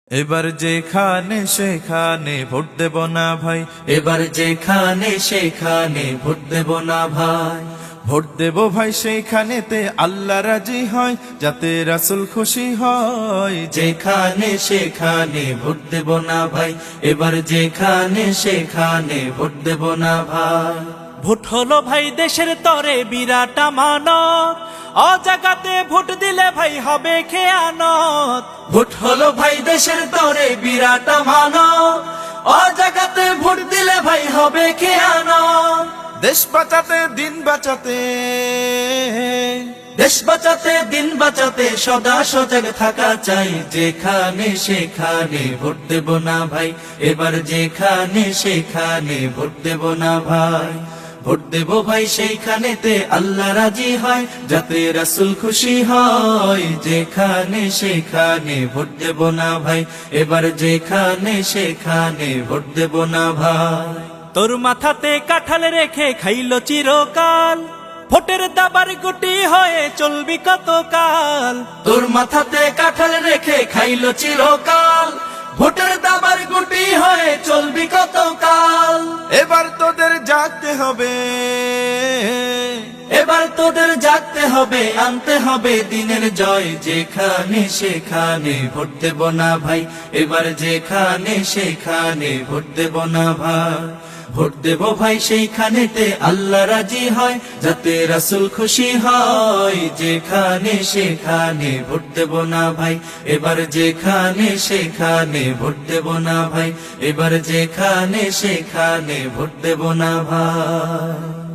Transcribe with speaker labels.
Speaker 1: এবার যেখানে সেখানে ভোট দেব না ভাই,
Speaker 2: এবার যেখানে সেখানে ভোট দেব না ভাই।
Speaker 1: ভোট দেব ভাই সেইখানেতে আল্লাহ রাজি হয়, যাতে রাসূল খুশি হয়।
Speaker 2: যেখানে সেখানে ভোট দেব না ভাই, এবার যেখানে সেখানে ভোট দেব না ভাই।
Speaker 3: ভোট হলো ভাই দেশের তরে বিরাট আমানত, অজাগাতে ভোট দিলে ভাই হবে খেয়ানত।
Speaker 2: ভোট হলো ভাই দেশের তরে বিরাট আমানত, অজাগাতে ভোট দিলে ভাই হবে খেয়ানত।
Speaker 1: দেশ বাঁচাতে দিন বাঁচাতে,
Speaker 2: দেশ বাঁচাতে দিন বাঁচাতে সদা সজাগ থাকা চাই। যেখানে সেখানে ভোট দেব না ভাই, এবার যেখানে সেখানে ভোট দেব না ভাই। ভোট দেব ভাই সেইখানেতে আল্লাহ রাজি হয়, যাতে রাসূল খুশি হয়। যেখানে সেখানে ভোট দেব না ভাই, এবার যেখানে সেখানে ভোট দেব না ভাই।
Speaker 3: তোর মাথাতে কাঁঠাল রেখে খাইলো চিরকাল, ভোটের দাবার গুটি হয়ে চলবি কতকাল।
Speaker 2: তোর মাথাতে কাঁঠাল রেখে খাইলো চিরকাল, ভোটের দাবার গুটি হয়ে চলবি কতকাল।
Speaker 1: এবার তোদের জাগতে হবে,
Speaker 2: এবার তোদের জাগতে হবে, আনতে হবে দিনের জয়। যেখানে সেখানে ভোট দেব না ভাই, এবার যেখানে সেখানে ভোট দেব না ভাই। ভোট দেব ভাই সেইখানেতে আল্লাহ রাজি হয়, যাতে রাসূল খুশি হয়। যেখানে সেখানে ভোট দেব না ভাই, এবার যেখানে সেখানে ভোট দেব না ভাই। এবার যেখানে সেখানে ভোট দেব না ভাই।